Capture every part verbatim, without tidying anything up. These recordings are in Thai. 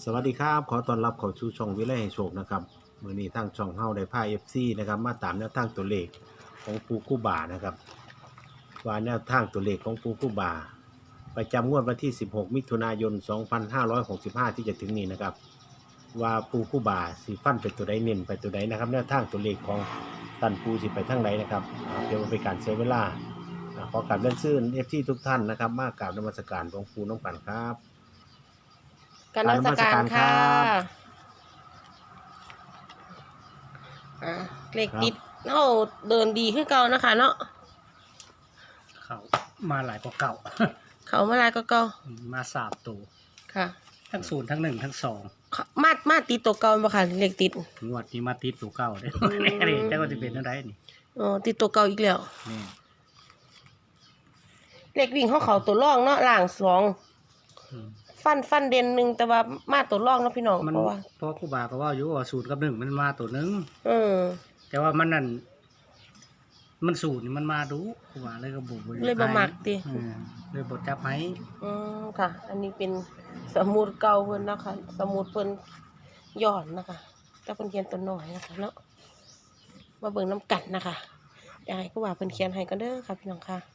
สวัสดีครับขอต้อนรับเข้าสู่ช่องวิไลให้โชคนะครับมื้อนี้ทางช่องเฮาได้พา เอฟ ซี นะครับมาตามแนวทางตัวเลขของปูกูบานะครับว่าแนวทางตัวเลขของปูกูบาประจำงวดวันที่สิบหกมิถุนายนสองพันห้าร้อยหกสิบห้าที่จะถึงนี้นะครับว่าปูกูบาสิฟันไปตัวใดเน้นไปตัวใดนะครับแนวทางตัวเลขของตันปูสิไปทางไหนนะครับอ่าเดี๋ยวมันเป็นการเสียเวลาอ่าขอกราบเรียนเชิญ เอฟ ซี ทุกท่านนะครับมากราบนมัสการหลวงปู่น้องกันครับกรารนมัสการค่ะอ่าเลขติดเราเดินดีขึ้นเก่านะคะเนาะเขามาหลายกว่าเก่าเขามาลายก็เก่ามาสามตัวค่ะทั้งศูนย์ทั้งหนึ่งทั้งสองเขามามาติดตัวเก่าบ่ค่ะเลขติดงวดนี้มาติดตัวเก่าได้ นี่เจ้าก็จะเป็นอะไรนี่อ๋อติดตัวเก่าอีกแล้วนี่เลขวิ่งเขาเขาตัวร่องเนาะล่างสองอืมฟันฟันเด่นหนึ่งแต่ว่ามาตัวร่องเนาะพี่น้องมันเพราะว่าเพราะครูบาก็ว่าอยู่ว่าศูนย์กับหนึ่งมันมาตัวหนึ่งเออแต่ว่ามันนั่นมันศูนย์นี่มันมาดูครูบาเลยก็บุบเลยบ่มักติเออเลยบดจับให้อืมค่ะ อันนี้เป็นสมุดเก่าเพิ่นนะคะสมุดเพิ่นย้อนนะคะแต่เพิ่นเขียนตัวน้อยนะคะเนาะมาเบิ่งน้ำกันนะคะอยากให้ผู้ว่าเพิ่นเขียนให้กันเด้อค่ะพี่น้องค่ะ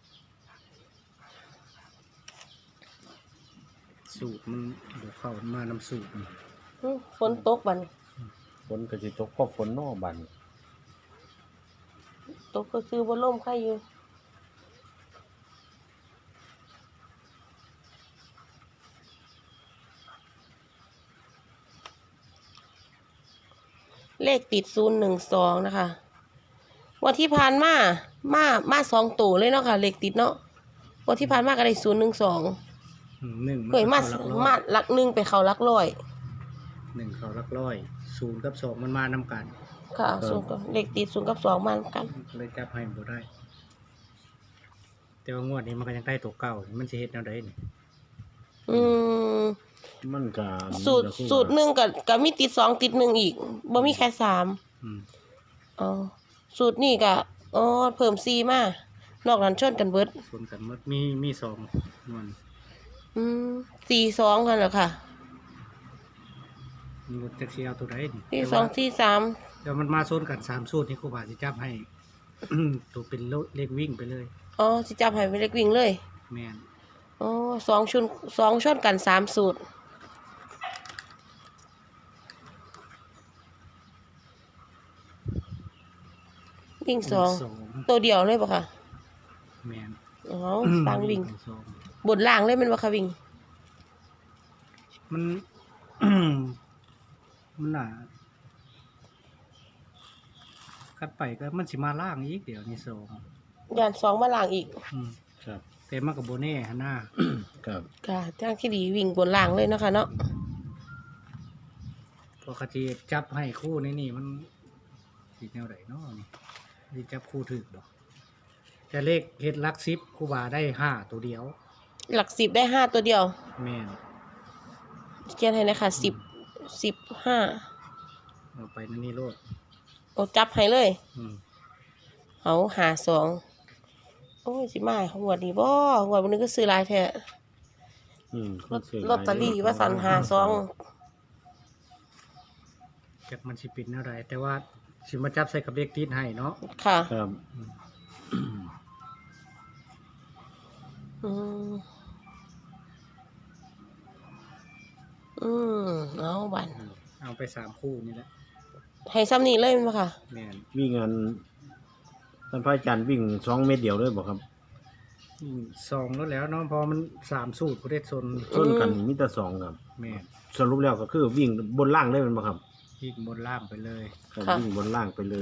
สูตรมันเดี๋ยวเข้ามาน้ำสูตรนี่อื้อฝนตกบัดนฝนก็สิตกก็ฝนนอบันตกก็คือบ่ล่มใครอยู่เลขติดศูนย์หนึ่งสองนะคะวันที่ผ่านมามามาสองตัวเลยเนาะค่ะเลขติดเนาะวันที่ผ่านมาก็ได้ศูนย์หนึ่งสองอืมหนึ่งเฮ้ยมาเข้หลักร้อยมาหลักหนึ่งไปเขาหลักร้อยหนึ่งเขาหลักร้อยศูนย์กับสองมันมานำกันค่ะศูนย์กับเลขติดศูนย์กับสองมาเหมือนกันเลยจับให้บ่ได้ แต่ว่างวดนี้มันก็ยังได้ตัวเก่า มันสิเฮ็ดแนวใดนี่อืมมันก็สูตรสูตรหนึ่งกับกับมีติดสองติดหนึ่งอีกบ่มีแค่สามอืมอ๋อสูตรนี่ก็อ๋อเพิ่มสี่มานอกนั้นชนกันเบิดส่วนกันหมดมีมีสองนวลอืมสี่สองกันเหรอค่ะมีรถแท็กซี่เอาตัวใดนี่สี่แต่สอว่างสี่สามเดี๋ยวมันมาโซนกันสามสูตรนี่ครูบาสิจับให้ ตัวเป็นเลขวิ่งไปเลยอ๋อสิจับให้เป็นเลขวิ่งเลยแม่นอ๋อสองชุนสองชนกันสามสูตรวิ่งสองสองตัวเดียวเลยปะค่ะแม่นอ๋อต่างวิ่งสองบนล่างเลยแมันปะค่ะวิ่งมัน มันน่ะคัดไปก็มันสิมาล่างอีกเดี๋ยวนี้สองยานสองมาล่างอีกอืมครับแต่มันก็บ่แน่หั่นน่ะครับค่ะทางที่ดีวิ่งบนล่างเลยเนาะคะเนาะปกติจับให้คู่นี่นี่มันสิแนวไหนเนาะนี่สิจับคู่ถึกดอกแต่เลขเฮ็ดหลักสิบครูบาได้ห้าตัวเดียวหลักสิบได้ห้าตัวเดียวแม่นเขียนให้นะคะสิบสิบห้าเอาไปนั่นนี่โลดโอ้จับให้เลยอืมเอาหาสองโอ้ยสิมาหัวดนี้บ่หัวดวันนึงก็ซื้อหลายแท้อืมลอตลอตเตอรี่ว่าสันหาสองจักมันสิเป็นแนวใดแต่ว่าสิมาจับใส่กับเลขติดให้เนาะค่ะครับอืมอืมเอาบันเอาไปสามคู่นี่แหละให้ซ้ำนี่เลยมั้ยค่ะแม่นวิ่งงานท่านพระอาจารย์วิ่งสองเมตรเดียวเลยบอกครับอืมสองแล้วแล้วเนาะพอมันสามสูตรบ่ได้ซนชนกันมิตรสองครับแม่นสรุปแล้วก็คือวิ่งบนล่างได้เป็นบ่ครับยิงบนล่างไปเลยครับค่ะวิ่งบนล่างไปเลย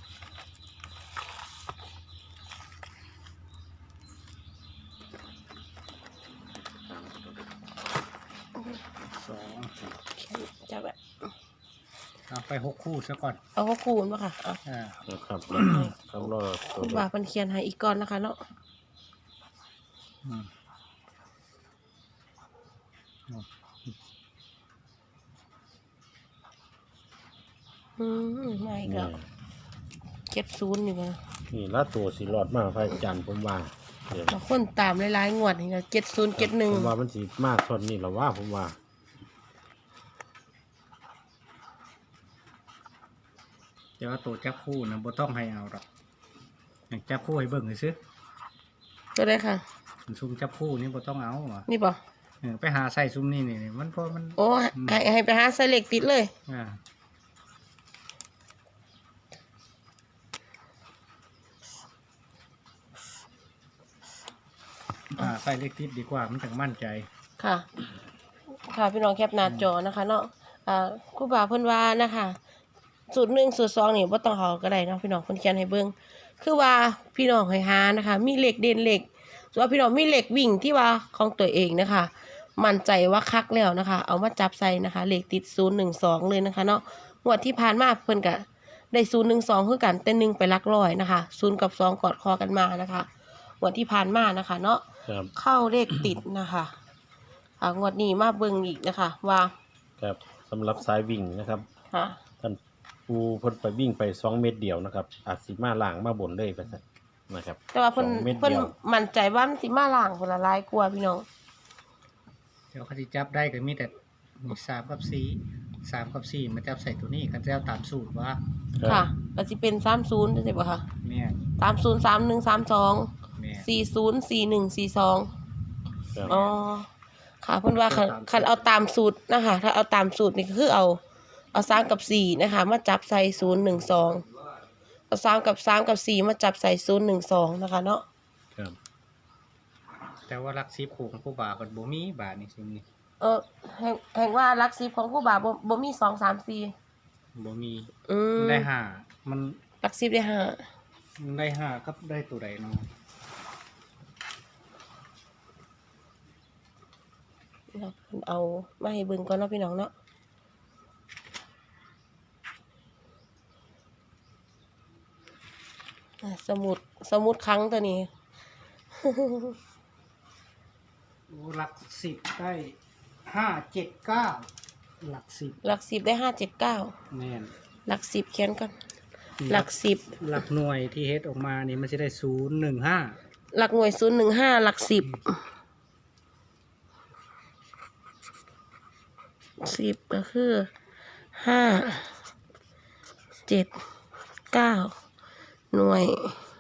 สองจับแบบเอาไปหกคู่ซะก่อนเอาข้อคูณป่ะค่ะเอาอ่านะครับครับรอตัวคุณว่าเพิ่นเขียนให้อีกก่อนนะคะเนาะอืมอืมมาอีกแล้วเจ็ดศูนย์นี่มานี่ละตัวสิรอดมากพระอาจารย์ผมว่าเดี๋ยวบางคนตามหลายๆงวดนี่นะเจ็ดศูนย์เจ็ดหนึ่งผมว่ามันสิมากส่วนนี้หรอว่าผมว่าแต่ว่าตัวจับคู่นะบ่ต้องให้เอาหรอกอยากจับคู่ให้เบิ่งซื่อก็ได้ค่ะๆซุ่มจับคู่นี่บ่ต้องเอาว่ะนี่บ่เออไปหาใส่ซุ่มนี่นี่มันพอมันโอ้ให้ให้ไปหาใส่เหล็กติดเลยอ่าอ่าใส่เลขติดดีกว่ามันถึงมั่นใจค่ะ ค่ะพี่น้องแคปหน้าจอนะคะเนาะอ่าครูบาเพิ่นว่านะคะสูตรหนึ่งสูตรสองนี่บ่ต้องเอาก็ได้เนาะพี่น้องเพิ่นเขียนให้เบิ่งคือว่าพี่น้องให้หานะคะ มีเหล็กเด่นเหล็กส่วนพี่น้องมีเหล็กวิ่งที่ว่าของตัวเองนะคะ มั่นใจว่าคักแล้วนะคะ เอามาจับใส่นะคะเหล็กติดศูนย์หนึ่งสองเลยนะคะเนาะงวดที่ผ่านมาเพิ่นก็ได้ศูนย์หนึ่งสองคือกันแต่หนึ่งไปหลักร้อยนะคะศูนย์กับสองกอดคอกันมานะคะงวดที่ผ่านมานะคะเนาะครับเข้าเลขติดนะคะอ่างวดนี้มาเบิ่งอีกนะคะ ว่าครับสำหรับสายวิ่งนะครับฮะท่านปูเพิ่นไปวิ่งไปสองเมตรเดียวนะครับอาจสิมาล่างมาบนเลยไปซะนะครับแต่ว่าเพิ่นสองเม็ดเพิ่นเดียวมั่นใจว่ามันสิมาล่างคนละหลายกว่าพี่น้องเดี๋ยวเขาจะจับได้ก็มีแต่มีสามกับสี่สามกับสี่มาจับใส่ตัวนี้กันจะเอาตามสูตรว่าค่ะก็สิเป็นสามสิบจังซี่บ่คะแม่นสามสิบ สามสิบเอ็ด สามสิบสองแม่นสี่สิบ สี่สิบเอ็ด สี่สิบสองครับอ๋อค่ะเพิ่นว่าคันคันเอาตามสูตรนะคะ ถ้าเอาตามสูตรนี่ก็คือเอาเอาสามกับสี่นะคะ มาจับใส่ศูนย์หนึ่งสองเอาสามกับสามกับสี่มาจับใส่ศูนย์หนึ่งสองนะคะเนาะครับแต่ว่ารักซีผูกของผู้บ่าวกับบ่มีบาทนี่ซิมนี่เออแห่งแห่งว่าหลักสิบของครูบาบ่บ่มีสอง สาม สี่บ่มีอืมมันได้ห้ามันหลักสิบได้ห้ามันได้ห้ากับได้ตัวใดเนาะเอามาให้เบิ่งก่อนเนาะพี่น้องเนาะอ่ะสมุดสมุดครั้งตัวนี้โอ้หลักสิบได้ห้าเจ็ดเก้าหลักสิบหลักสิบได้ห้าเจ็ดเก้าแม่นหลักสิบเขียนก่อนหลักสิบหลักหน่วยที่เฮ็ดออกมานี่มันจะได้ศูนย์หนึ่งห้าหลักหน่วยศูนย์หนึ่งห้าหลักสิบสิบก็คือห้าเจ็ดเก้าหน่วย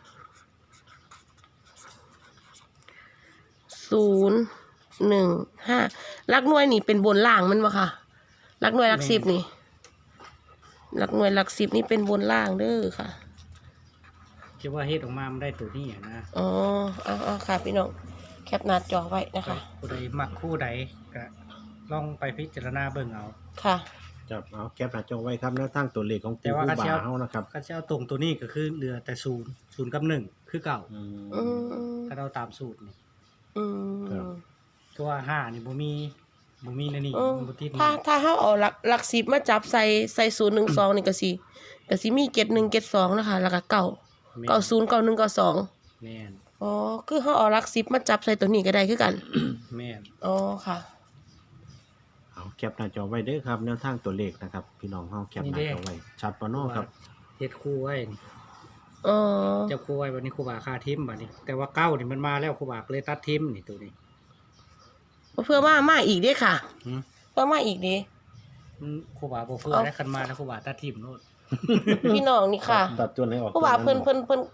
ศูนย์หนึ่งห้าหลักหน่วยนี่เป็นบนล่างมันวะค่ะหลักหน่วยหลักสิบนี่หลักหน่วยหลักสิบนี่เป็นบนล่างเด้อค่ะคิดว่าเฮ็ดออกมามันได้ตัวนี้อะนะอ๋อเอาเอาค่ะพี่น้องแคปหน้าจอไว้นะคะผู้ใดมักคู่ใดก็ลองไปพิจารณาเบิ่งเอาค่ะจับเอาแคปหน้าจอไว้ครับแนวทางตัวเลขของแต่ปูว่าผู้ก็บ่าเจ้าเฮานะครับก็จะเอาตรงตัวนี้ก็คือเหลือแต่ศูนย์ศูนย์กับหนึ่งคือเก่าอืมอืมถ้าเราตามสูตรนี่อืครับมตัวห้านี่บ่มีบ่มีในนี่เออบ่ติดถ้านี่ถ้าเขาเอาหลักหลักสิบมาจับใส่ใส่ศูนย์หนึ่งสองนี่ก็สิก็สิมีเจ็ดหนึ่งเจ็ดสองนะคะแล้วก็เก้าแม่นเก้าศูนย์เก้าหนึ่งเก้าสองแม่นอ๋อคือเขาเอาหลักสิบมาจับใส่ตัวนี้ก็ได้คือกันแม่นอ๋อค่ะเอาแคปหน้าจอไว้เด้อครับแนวทางตัวเลขนะครับ พี่น้องเฮาแคปหน้าจอไว้ชัดปะเนาะครับเฮ็ดคู่ไว้นี่อ๋อเจ้าคู่ไว้วันนี้ครูบาค่าทิมบัดนี้ แต่ว่าเก้านี่มันมาแล้วครูบาก็เลยตัดทิมนี่ตัวนี้เพื่อมามาอีกเด้ค่ะหึเพื่อมาอีกเด้มันครูบาบ่เฟื่อเอาได้คันมาแล้วครูบาตัดทิมโน่นพี่น้องนี่ค่ะตัดตัวไหนออกเพราะว่าเพิ่นเพิ่นเพิ่น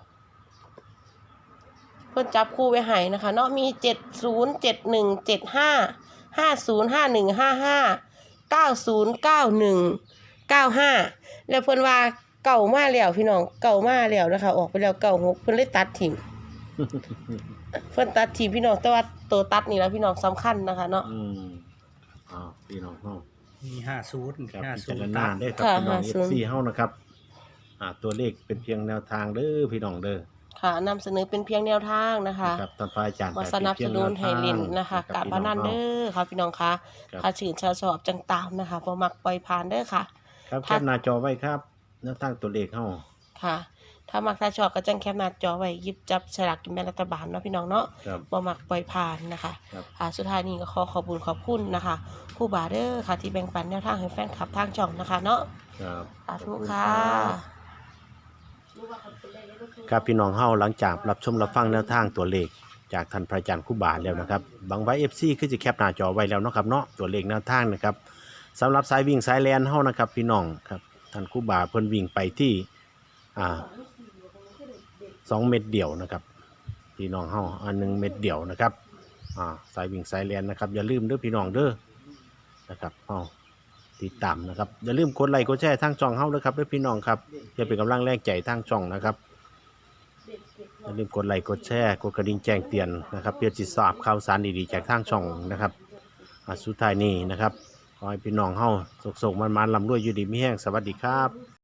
เพิ่นจับคู่ไว้ให้นะคะเนาะมีเจ็ดศูนย์เจ็ดหนึ่งเจ็ดห้าห้าศูนย์ห้าหนึ่งห้าห้าเก้าศูนย์เก้าหนึ่งเก้าห้าแล้วเพิ่นว่าเก่ามาแล้วพี่น้องเก่ามาแล้วนะคะออกไปแล้วเก่าหกเพิ่นเลยตัดทิ้ง เพิ่นตัดทิ้งพี่น้องแต่ว่าตัวตัดนี่แหละพี่น้องสำคัญนะคะเนาะอืมอ้าวพี่น้องเฮามีห้าศูนย์ครับห้าพิศูจาน รย์ณาตัดได้อครับค่ะพี่น้องห้าศูนย์เอฟซีเฮานะครับอ่าตัวเลขเป็นเพียงแนวทางเด้อพี่น้องเด้อค่ะนำเสนอเป็นเพียงแนวทางนะคะครับท่านพระอาจารย์มาสนับสนุนให้เล่นนะคะคการบพนันเด้อค่ะพี่น้องคะครับถ้าชื่นชาชอบจังตามนะคะบ่มักปล่อยผ่านเด้อค่ะครับถ้าแคปหน้าจอไว้ครับแนวทางตัวเลขเฮาค่ะ ถ้ามักถ้าชอบก็จังแคปหน้าจอไว้หยิบจับฉลากกินแบ่งรัฐบาลเนาะพี่น้องเนาะครับบ่มักปล่อยผ่านนะคะครับค่ะสุดท้ายนี้ก็ขอขอบคุณขอบคุณนะคะครูบาเด้อค่ะที่แบ่งปันแนวทางให้แฟนคลับทางช่องนะคะเนาะครับสาธุค่ะครับพี่น้องเฮาหลังจากรับชมรับฟังแนวทางตัวเลขจากท่านพระอาจารย์ครูบาแล้วนะครับบางไว้ เอฟ ซี คือจะแคปหน้าจอไว้แล้วเนาะครับเนาะตัวเลขแนวทางนะครับสำหรับสายวิ่งสายแลนเฮานะครับพี่น้องครับท่านครูบาเพิ่นวิ่งไปที่อ่าสองเม็ดเดี่ยวนะครับพี่น้องเฮาอันหนึ่งเม็ดเดี่ยวนะครับอ่าสายวิ่งสายเรียนนะครับอย่าลืมเด้อพี่น้องเด้อนะครับเฮาติดตามนะครับอย่าลืมกดไลค์กดแชร์ทางช่องเฮาด้วยครับเด้อพี่น้องครับเพื่อเป็นกำลังแรงใจทางช่องนะครับอย่าลืมกดไลค์กดแชร์กดกระดิ่งแจ้งเตือนนะครับเพื่อจะทราบข่าวสารดีๆจากทางช่องนะครับอ่าสุดท้ายนี้นะครับขอให้พี่น้องเฮาสุขๆมันๆลำรวยอยู่ดีมีแห้งสวัสดีครับ